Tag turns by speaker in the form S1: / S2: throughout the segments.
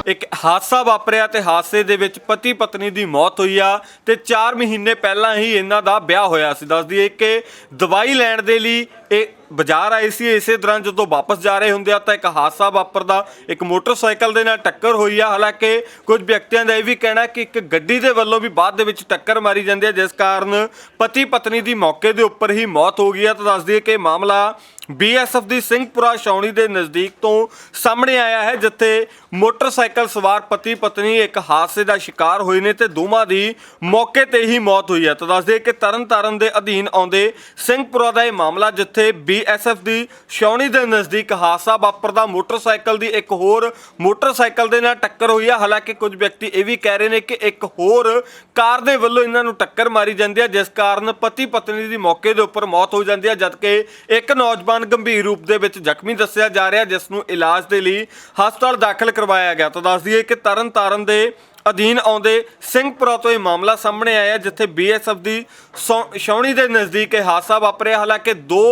S1: ਇੱਕ ਹਾਦਸਾ ਵਾਪਰਿਆ ਤੇ ਹਾਦਸੇ ਦੇ ਵਿੱਚ ਪਤੀ ਪਤਨੀ ਦੀ ਮੌਤ ਹੋਈ ਆ ਤੇ 4 ਮਹੀਨੇ ਪਹਿਲਾਂ ਹੀ ਇਹਨਾਂ ਦਾ ਵਿਆਹ ਹੋਇਆ ਸੀ। ਦੱਸ ਦਈਏ ਕਿ ਦਵਾਈ ਲੈਣ ਦੇ ਲਈ ਇਹ ਬਾਜ਼ਾਰ ਆਏ ਸੀ। ਇਸੇ ਦੌਰਾਨ ਜਦੋਂ ਵਾਪਸ ਜਾ ਰਹੇ ਹੁੰਦੇ ਆ ਤਾਂ ਇੱਕ ਹਾਦਸਾ ਵਾਪਰਦਾ, ਇੱਕ ਮੋਟਰਸਾਈਕਲ ਦੇ ਨਾਲ ਟੱਕਰ ਹੋਈ ਆ। ਹਾਲਾਂਕਿ ਕੁਝ ਵਿਅਕਤੀਆਂ ਦਾ ਇਹ ਵੀ ਕਹਿਣਾ ਕਿ ਇੱਕ ਗੱਡੀ ਦੇ ਵੱਲੋਂ ਵੀ ਬਾਅਦ ਦੇ ਵਿੱਚ ਟੱਕਰ ਮਾਰੀ ਜਾਂਦੀ ਹੈ, ਜਿਸ ਕਾਰਨ ਪਤੀ ਪਤਨੀ ਦੀ ਮੌਕੇ ਦੇ ਉੱਪਰ ਹੀ ਮੌਤ ਹੋ ਗਈ ਆ। ਤਾਂ ਦੱਸ ਦਈਏ ਕਿ ਮਾਮਲਾ BSF ਦੀ ਸਿੰਘਪੁਰਾ ਛਾਉਣੀ ਦੇ ਨਜ਼ਦੀਕ ਤੋਂ ਸਾਹਮਣੇ ਆਇਆ ਹੈ, ਜਿੱਥੇ ਮੋਟਰਸਾਈਕਲ ਸਵਾਰ ਪਤੀ ਪਤਨੀ ਇੱਕ ਹਾਦਸੇ ਦਾ ਸ਼ਿਕਾਰ ਹੋਏ ਨੇ ਤੇ ਦੋਵਾਂ ਦੀ ਮੌਕੇ ਤੇ ਹੀ ਮੌਤ ਹੋਈ ਹੈ। ਤਾਂ ਦੱਸ ਦਈਏ ਕਿ ਤਰਨਤਾਰਨ ਦੇ ਅਧੀਨ ਆਉਂਦੇ ਸਿੰਘਪੁਰਾ ਦਾ ਇਹ ਮਾਮਲਾ, ਜਿੱਥੇ BSF ਦੀ ਛਾਉਣੀ ਦੇ ਨਜ਼ਦੀਕ ਹਾਦਸਾ ਵਾਪਰਦਾ, ਮੋਟਰਸਾਈਕਲ ਦੀ ਇੱਕ ਹੋਰ ਮੋਟਰਸਾਈਕਲ ਦੇ ਨਾਲ ਟੱਕਰ ਹੋਈ ਹੈ। ਹਾਲਾਂਕਿ ਕੁਝ ਵਿਅਕਤੀ ਇਹ ਵੀ ਕਹਿ ਰਹੇ ਨੇ ਕਿ ਇੱਕ ਹੋਰ ਕਾਰ ਦੇ ਵੱਲੋਂ ਇਹਨਾਂ ਨੂੰ ਟੱਕਰ ਮਾਰੀ ਜਾਂਦੀ ਹੈ, ਜਿਸ ਕਾਰਨ ਪਤੀ ਪਤਨੀ ਦੀ ਮੌਕੇ ਦੇ ਉੱਪਰ ਮੌਤ ਹੋ ਜਾਂਦੀ ਹੈ, ਜਦਕਿ ਇੱਕ ਨੌਜਵਾਨ ਗੰਭੀਰ ਰੂਪ ਦੇ ਵਿੱਚ ਜ਼ਖਮੀ ਦੱਸਿਆ ਜਾ ਰਿਹਾ, ਜਿਸ ਨੂੰ ਇਲਾਜ ਦੇ ਲਈ ਹਸਪਤਾਲ ਦਾਖਲ ਕਰਵਾਇਆ ਗਿਆ। ਤਾਂ ਦੱਸ ਦਈਏ ਕਿ ਤਰਨਤਾਰਨ ਦੇ ਅਧੀਨ ਆਉਂਦੇ ਸਿੰਘਪੁਰਾ ਤੋਂ ਇਹ ਮਾਮਲਾ ਸਾਹਮਣੇ ਆਇਆ, ਜਿੱਥੇ BSF ਦੀ ਛਾਉਣੀ ਦੇ ਨਜ਼ਦੀਕ ਇਹ ਹਾਦਸਾ ਵਾਪਰਿਆ। ਹਾਲਾਂਕਿ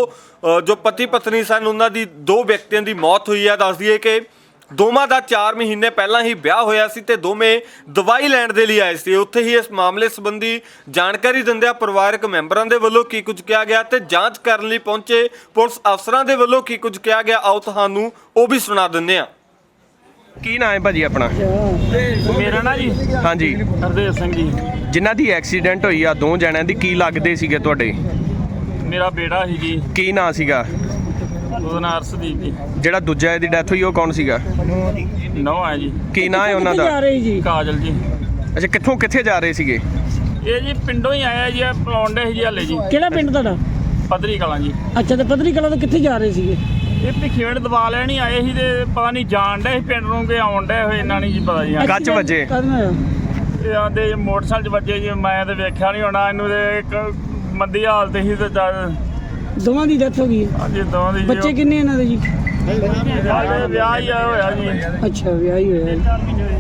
S1: ਜੋ ਪਤੀ ਪਤਨੀ ਸਨ ਉਹਨਾਂ ਦੀ 2 ਵਿਅਕਤੀਆਂ ਦੀ ਮੌਤ ਹੋਈ ਹੈ। ਦੱਸ ਦਈਏ ਕਿ ਦੋਵਾਂ ਦਾ 4 ਮਹੀਨੇ ਪਹਿਲਾਂ ਹੀ ਵਿਆਹ ਹੋਇਆ ਸੀ ਤੇ ਦੋਵੇਂ ਦਵਾਈ ਲੈਣ ਦੇ ਲਈ ਆਏ ਸੀ। ਉੱਥੇ ਹੀ ਇਸ ਮਾਮਲੇ ਸੰਬੰਧੀ ਜਾਣਕਾਰੀ ਦਿੰਦਿਆਂ ਪਰਿਵਾਰਕ ਮੈਂਬਰਾਂ ਦੇ ਵੱਲੋਂ ਕੀ ਕੁਝ ਕਿਹਾ ਗਿਆ ਤੇ ਜਾਂਚ ਕਰਨ ਲਈ ਪਹੁੰਚੇ ਪੁਲਿਸ ਅਫਸਰਾਂ ਦੇ ਵੱਲੋਂ ਕੀ ਕੁਝ ਕਿਹਾ ਗਿਆ, ਆਓ ਤੁਹਾਨੂੰ ਉਹ ਵੀ ਸੁਣਾ ਦਿੰਦੇ ਹਾਂ।
S2: ਕੀ ਨਾਂ ਹੈ ਭਾਜੀ ਆਪਣਾ?
S3: ਮੇਰਾ ਨਾਂ ਜੀ
S2: ਹਾਂਜੀ,
S3: ਹਰਦੇਵ ਸਿੰਘ ਜੀ।
S2: ਜਿਨ੍ਹਾਂ ਦੀ ਐਕਸੀਡੈਂਟ ਹੋਈ ਆ 2 ਜਣਿਆਂ ਦੀ, ਕੀ ਲੱਗਦੇ ਸੀਗੇ ਤੁਹਾਡੇ?
S3: ਮੇਰਾ ਬੇੜਾ ਸੀ ਜੀ।
S2: ਕੀ ਨਾਂ ਸੀਗਾ?
S3: ਉਹਦਾ ਨਾਂ ਅਰਸ਼ਦੀਪ ਜੀ।
S2: ਜਿਹੜਾ ਦੂਜਾ ਇਹਦੀ ਡੈਥ ਹੋਈ ਉਹ ਕੌਣ ਸੀਗਾ?
S3: ਨੌ ਹੈ ਜੀ।
S2: ਕੀ ਨਾਂ ਹੈ ਉਹਨਾਂ ਦਾ?
S3: ਕਾਜਲ ਜੀ।
S2: ਅੱਛਾ, ਕਿੱਥੇ ਜਾ ਰਹੇ ਸੀਗੇ?
S3: ਇਹ ਜੀ ਪਿੰਡੋਂ ਹੀ ਆਇਆ ਜੀ, ਪਲੌਂਡੇ ਜੀ ਹਾਲੇ ਜੀ।
S4: ਕਿਹੜਾ ਪਿੰਡ ਤੁਹਾਡਾ?
S3: ਪੱਧਰੀ ਕਲਾਂ ਜੀ।
S4: ਅੱਛਾ, ਤੇ ਪੱਧਰੀ ਕਲਾਂ ਤੋਂ ਕਿੱਥੇ ਜਾ ਰਹੇ ਸੀਗੇ?
S3: ਇਹ ਭਿੱਖੀਵਿੰਡ ਦਵਾ ਲੈਣੀ ਆਏ ਸੀ ਤੇ ਪਤਾ ਨਹੀਂ ਜਾਣ ਡੇ ਸੀ ਪਿੰਡ ਨੂੰ ਕਿ ਆਉਣ ਡੇ ਹੋਏ, ਇਹਨਾਂ ਨਹੀਂ ਜੀ ਪਤਾ ਜੀ।
S2: ਕੱਚ ਵੱਜੇ?
S4: ਕਦੋਂ ਹੋਇਆ?
S3: ਇਹ ਆਂਦੇ ਮੋਟਰਸਾਈਕਲ 'ਚ ਵੱਜੇ ਜੀ। ਮੈਂ ਤੇ ਵੇਖਿਆ ਨਹੀਂ ਹੋਣਾ ਇਹਨੂੰ, ਤੇ ਇੱਕ ਮੰਦੀ ਹਾਲਤ ਸੀ ਤੇ
S4: ਦੋਵਾਂ ਦੀ ਡੈਥ ਹੋ ਗਈ?
S3: ਹਾਂਜੀ, ਦੋਵਾਂ ਦੀ।
S4: ਬੱਚੇ ਕਿੰਨੇ ਇਹਨਾਂ ਦੇ ਜੀ?
S3: ਵਿਆਹ ਹੀ ਹੋਇਆ ਜੀ।
S4: ਅੱਛਾ, ਵਿਆਹ ਹੀ ਹੋਇਆ।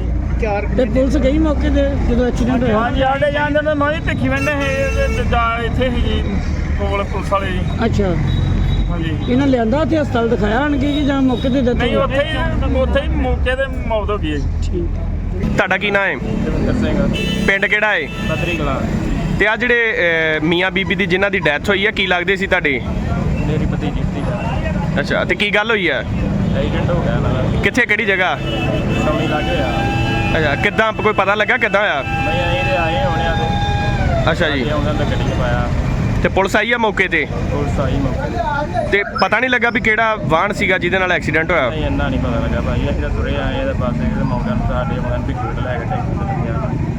S4: ਤੇ ਪੁਲਿਸ ਗਈ ਮੌਕੇ ਤੇ ਜਦੋਂ ਐਕਸੀਡੈਂਟ ਹੋਇਆ?
S3: ਹਾਂਜੀ, ਆਡੇ ਜਾਂਦੇ ਨੇ ਮੈਂ ਭਿੱਖੀਵਿੰਡ ਇੱਥੇ ਸੀ ਜੀ ਕੋਲ ਪੁਲਿਸ ਵਾਲੇ ਜੀ।
S4: ਅੱਛਾ,
S3: ਹਾਂਜੀ।
S4: ਇਹਨਾਂ ਲਿਆਂਦਾ ਉੱਥੇ ਹਸਪਤਾਲ ਦਿਖਾਇਆ ਆਣਗੇ ਕਿ ਜਾਂ ਮੌਕੇ ਤੇ ਡੈਥ?
S3: ਨਹੀਂ, ਉੱਥੇ ਹੀ ਮੌਕੇ ਤੇ ਮੌਤ ਹੋ ਗਈ ਹੈ ਜੀ।
S4: ਠੀਕ।
S2: ਤੁਹਾਡਾ ਕੀ ਨਾਂ ਹੈ?
S3: ਸਿੰਘ।
S2: ਪਿੰਡ ਕਿਹੜਾ ਹੈ?
S3: ਪੱਧਰੀ ਕਲਾਂ।
S2: ਤੇ ਆ ਜਿਹੜੇ ਮੀਆਂ ਬੀਬੀ ਦੀ ਜਿਨ੍ਹਾਂ ਦੀ ਡੈਥ ਹੋਈ ਆ, ਕੀ ਲੱਗਦੇ ਸੀ ਤੁਹਾਡੇ?
S3: ਮੇਰੀ ਭਤੀਜੀ ਸੀ।
S2: ਅੱਛਾ, ਤੇ ਕੀ ਗੱਲ ਹੋਈ ਆ?
S3: ਐਕਸੀਡੈਂਟ ਹੋ ਗਿਆ ਨਾਲ।
S2: ਕਿੱਥੇ, ਕਿਹੜੀ ਜਗ੍ਹਾ?
S3: ਸਮਝ ਲੱਗ ਗਿਆ।
S2: ਅੱਛਾ, ਕਿੱਦਾਂ, ਕੋਈ ਪਤਾ ਲੱਗਾ ਕਿੱਦਾਂ ਹੋਇਆ?
S3: ਮੈਂ ਆਏ ਹੋਣੇ ਆ ਤੇ
S2: ਅੱਛਾ ਜੀ,
S3: ਉਹਨਾਂ ਦਾ ਗੱਡੀ 'ਚ ਪਾਇਆ।
S2: ਤੇ ਪੁਲਿਸ ਆਈ ਆ ਮੌਕੇ ਤੇ?
S3: ਪੁਲਿਸ ਆਈ ਮੌਕੇ
S2: ਤੇ ਪਤਾ ਨਹੀਂ ਲੱਗਾ ਵੀ ਕਿਹੜਾ ਵਾਹਨ ਸੀਗਾ ਜਿਹਦੇ ਨਾਲ ਐਕਸੀਡੈਂਟ ਹੋਇਆ?
S3: ਨਹੀਂ, ਇੰਨਾ ਨਹੀਂ ਪਤਾ ਲੱਗਾ ਭਾਈ। ਅਸੀਂ ਤਾਂ ਤੁਰੇ ਆਏ ਇਹਦੇ ਪਾਸੇ ਤੇ ਮੌਕੇ ਨੂੰ ਸਾਡੇ ਮਗਨ ਭਿੱਖੀ ਲੈ ਕੇ ਟੈਕਸੀ ਤੇ ਲੱਗਿਆ।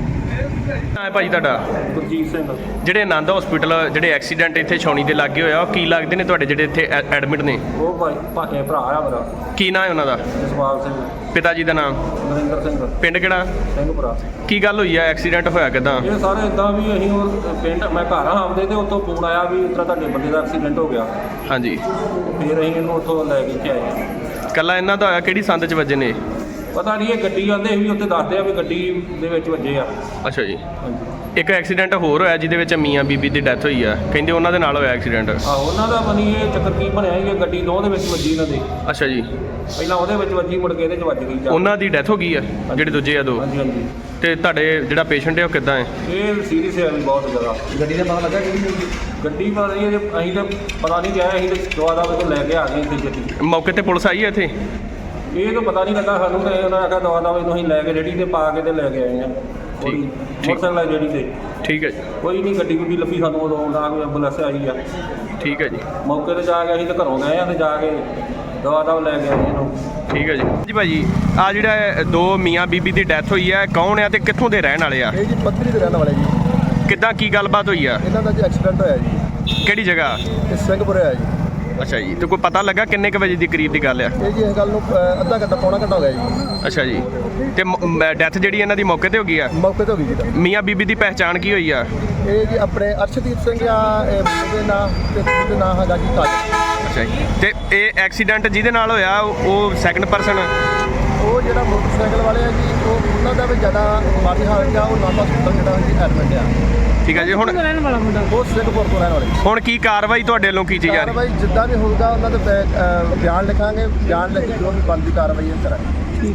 S2: ਹਾਂ ਭਾਜੀ, ਤੁਹਾਡਾ?
S3: ਗੁਰਜੀਤ ਸਿੰਘ।
S2: ਜਿਹੜੇ ਆਨੰਦ ਹਸਪੀਟਲ ਜਿਹੜੇ ਐਕਸੀਡੈਂਟ ਇੱਥੇ ਛਾਉਣੀ ਦੇ ਲੱਗੇ ਹੋਇਆ, ਉਹ ਕੀ ਲੱਗਦੇ ਨੇ ਤੁਹਾਡੇ ਜਿਹੜੇ ਇੱਥੇ ਐਡਮਿਟ ਨੇ?
S3: ਉਹ ਭਾਈ ਭਾਕੇ ਭਰਾ ਆ ਮੇਰਾ।
S2: ਕੀ ਨਾਂ ਹੈ ਉਹਨਾਂ ਦਾ?
S3: ਜਸਵਾਲ ਸਿੰਘ।
S2: ਪਿਤਾ ਜੀ ਦਾ ਨਾਮ?
S3: ਨਰਿੰਦਰ ਸਿੰਘ।
S2: ਪਿੰਡ ਕਿਹੜਾ?
S3: ਸਿੰਘਪੁਰਾ।
S2: ਕੀ ਗੱਲ ਹੋਈ ਆ, ਐਕਸੀਡੈਂਟ ਹੋਇਆ ਕਿੱਦਾਂ?
S3: ਇਹ ਸਾਰੇ ਇਦਾਂ ਵੀ ਅਸੀਂ ਉਹ ਪਿੰਡ, ਮੈਂ ਘਰ ਆਉਂਦੇ ਤੇ ਉੱਥੋਂ ਫੋਨ ਆਇਆ ਵੀ ਇਸ ਤਰ੍ਹਾਂ ਤੁਹਾਡੇ ਬੰਦੇ ਦਾ ਐਕਸੀਡੈਂਟ ਹੋ ਗਿਆ।
S2: ਹਾਂਜੀ,
S3: ਫਿਰ ਅਸੀਂ ਇਹਨੂੰ ਉੱਥੋਂ ਲੈ ਕੇ ਆਏ।
S2: ਕੱਲਾ ਇਹਨਾਂ ਦਾ ਹੋਇਆ? ਕਿਹੜੀ ਸੰਦ 'ਚ ਵੱਜੇ ਨੇ?
S3: ਪਤਾ ਨਹੀਂ, ਇਹ ਗੱਡੀ ਆਉਂਦੇ ਸੀ ਵੀ ਉੱਥੇ ਦੱਸਦੇ ਆ ਵੀ ਗੱਡੀ ਦੇ ਵਿੱਚ ਵੱਜੇ ਆ।
S2: ਅੱਛਾ ਜੀ।
S3: ਹਾਂਜੀ।
S2: ਇੱਕ ਐਕਸੀਡੈਂਟ ਹੋਰ ਹੋਇਆ ਜਿਹਦੇ ਵਿੱਚ ਮੀਆਂ ਬੀਬੀ ਦੀ ਡੈਥ ਹੋਈ ਆ, ਕਹਿੰਦੇ ਉਹਨਾਂ ਦੇ ਨਾਲ ਹੋਇਆ ਐਕਸੀਡੈਂਟ।
S3: ਆਹੋ, ਉਹਨਾਂ ਦਾ ਬਣੀ ਇਹ ਚੱਕਰ ਕੀ ਬਣਿਆ ਸੀ, ਇਹ ਗੱਡੀ ਦੋ ਦੇ ਵਿੱਚ ਵੱਜੀ ਇਹਨਾਂ ਦੇ।
S2: ਅੱਛਾ ਜੀ।
S3: ਪਹਿਲਾਂ ਉਹਦੇ ਵਿੱਚ ਵੱਜੀ, ਮੁੜ ਕੇ ਇਹਦੇ 'ਚ ਵੱਜ ਗਈ ਜਾ।
S2: ਉਹਨਾਂ ਦੀ ਡੈਥ ਹੋ ਗਈ ਆ, ਜਿਹੜੇ ਦੂਜੇ ਆ 2?
S3: ਹਾਂਜੀ ਹਾਂਜੀ।
S2: ਤੇ ਤੁਹਾਡੇ ਜਿਹੜਾ ਪੇਸ਼ੈਂਟ ਹੈ ਉਹ ਕਿੱਦਾਂ ਹੈ?
S3: ਇਹ ਸੀਰੀਅਸ ਹੈ ਵੀ ਬਹੁਤ ਜ਼ਿਆਦਾ। ਗੱਡੀ ਦਾ ਪਤਾ ਲੱਗਾ ਕਿਹੜੀ ਗੱਡੀ? ਪਤਾ ਨਹੀਂ, ਅਸੀਂ ਤਾਂ ਪਤਾ ਨਹੀਂ ਗਿਆ। ਅਸੀਂ ਤਾਂ ਦਵਾ ਦਾ ਲੈ ਕੇ ਆ ਗਏ ਇੱਥੇ ਗੱਡੀ।
S2: ਮੌਕੇ ਤੇ ਪੁਲਿਸ ਆਈ ਹੈ ਇੱਥੇ?
S3: ਇਹ ਤਾਂ ਪਤਾ ਨਹੀਂ ਲੱਗਾ ਸਾਨੂੰ, ਤੇ ਉਹਨਾਂ ਨੇ ਆਖਿਆ ਦਵਾ ਦਾ ਇਹਨੂੰ ਅਸੀਂ ਲੈ ਕੇ ਰੇੜੀ ਤੇ ਪਾ ਕੇ ਤੇ ਲੈ ਕੇ ਆਏ ਹਾਂ।
S2: ਠੀਕ।
S3: ਮੋਟਰਸਾਈਕਲ ਹੈ ਜਿਹੜੀ ਤੇ।
S2: ਠੀਕ ਹੈ ਜੀ।
S3: ਕੋਈ ਨਹੀਂ, ਗੱਡੀ ਗੁੱਡੀ ਲੱਭੀ ਸਾਨੂੰ, ਉਦੋਂ ਨਾ ਕੋਈ ਐਂਬੂਲੈਂਸ ਆਈ ਆ।
S2: ਠੀਕ ਹੈ ਜੀ।
S3: ਮੌਕੇ ਤੇ ਜਾ ਕੇ ਅਸੀਂ ਤਾਂ ਘਰੋਂ ਗਏ ਆ ਤੇ ਜਾ ਕੇ ਦਵਾ ਦਾ ਲੈ ਕੇ ਆਏ ਇਹਨੂੰ।
S2: ਠੀਕ ਹੈ ਜੀ। ਜੀ ਭਾਜੀ, ਆ ਜਿਹੜਾ 2 ਮੀਆਂ ਬੀਬੀ ਦੀ ਡੈਥ ਹੋਈ ਹੈ, ਕੌਣ ਆ ਤੇ ਕਿੱਥੋਂ ਦੇ ਰਹਿਣ ਵਾਲੇ ਆ?
S5: ਇਹ ਜੀ ਪੱਧਰੀ ਦੇ ਰਹਿਣ ਵਾਲੇ ਜੀ।
S2: ਕਿੱਦਾਂ, ਕੀ ਗੱਲਬਾਤ ਹੋਈ ਆ?
S5: ਇਹਨਾਂ ਦਾ ਜੀ ਐਕਸੀਡੈਂਟ ਹੋਇਆ ਜੀ।
S2: ਕਿਹੜੀ ਜਗ੍ਹਾ?
S5: ਇਹ ਸਿੰਘਪੁਰੇ ਹੋਇਆ ਜੀ।
S2: ਅੱਛਾ ਜੀ। ਤੇ ਕੋਈ ਪਤਾ ਲੱਗਾ ਕਿੰਨੇ ਕੁ ਵਜੇ ਦੀ ਕਰੀਬ ਦੀ ਗੱਲ ਆ?
S5: ਇਹ ਜੀ ਇਸ ਗੱਲ ਨੂੰ ਅੱਧਾ ਘੰਟਾ ਪੌਣਾ ਘੰਟਾ ਹੋ ਗਿਆ ਜੀ।
S2: ਅੱਛਾ ਜੀ। ਤੇ ਡੈਥ ਜਿਹੜੀ ਇਹਨਾਂ ਦੀ ਮੌਕੇ ਤੇ ਹੋ ਗਈ ਆ?
S5: ਮੌਕੇ ਤੇ ਹੋ ਗਈ ਜੀ ਤਾਂ।
S2: ਮੀਆਂ ਬੀਬੀ ਦੀ ਪਹਿਚਾਣ ਕੀ ਹੋਈ ਆ?
S5: ਇਹ ਜੀ ਆਪਣੇ ਅਰਸ਼ਦੀਪ ਸਿੰਘ ਆ, ਇਹ ਮੁੰਡੇ ਦੇ ਨਾਂ ਤੇ ਕੁੜੀ ਦੇ ਨਾਂ ਹੈਗਾ ਜੀ ਕਾਜਲ।
S2: ਅੱਛਾ ਜੀ। ਤੇ ਇਹ ਐਕਸੀਡੈਂਟ ਜਿਹਦੇ ਨਾਲ ਹੋਇਆ ਉਹ ਸੈਕੰਡ ਪਰਸਨ?
S5: ਉਹ ਜਿਹੜਾ ਮੋਟਰਸਾਈਕਲ ਵਾਲੇ ਆ ਜੀ, ਉਹਨਾਂ ਦਾ ਵੀ ਜ਼ਿਆਦਾ ਮਾੜੀ ਹਾਲਤ ਆ। ਉਹ ਨਾਭਾ ਹਸਪਤਾਲ ਜਿਹੜਾ ਜੀ ਐਡਮਿਟ ਆ।
S2: ਠੀਕ ਹੈ ਜੀ। ਹੁਣ
S4: ਰਹਿਣ ਵਾਲਾ ਮੁੰਡਾ?
S5: ਉਹ ਸਿੰਘਪੁਰ ਤੋਂ ਰਹਿਣ ਵਾਲੇ।
S2: ਹੁਣ ਕੀ ਕਾਰਵਾਈ ਤੁਹਾਡੇ ਵੱਲੋਂ ਕੀਤੀ ਜਾ ਰਹੀ?
S5: ਕਾਰਵਾਈ ਜਿੱਦਾਂ ਵੀ ਹੋਊਗਾ ਉਹਨਾਂ ਦੇ ਬਿਆਨ ਲਿਖਾਂਗੇ। ਬਿਆਨ ਲਿਖ ਕੇ ਜੋ ਵੀ ਬਣਦੀ ਕਾਰਵਾਈ ਕਰਾਂਗੇ।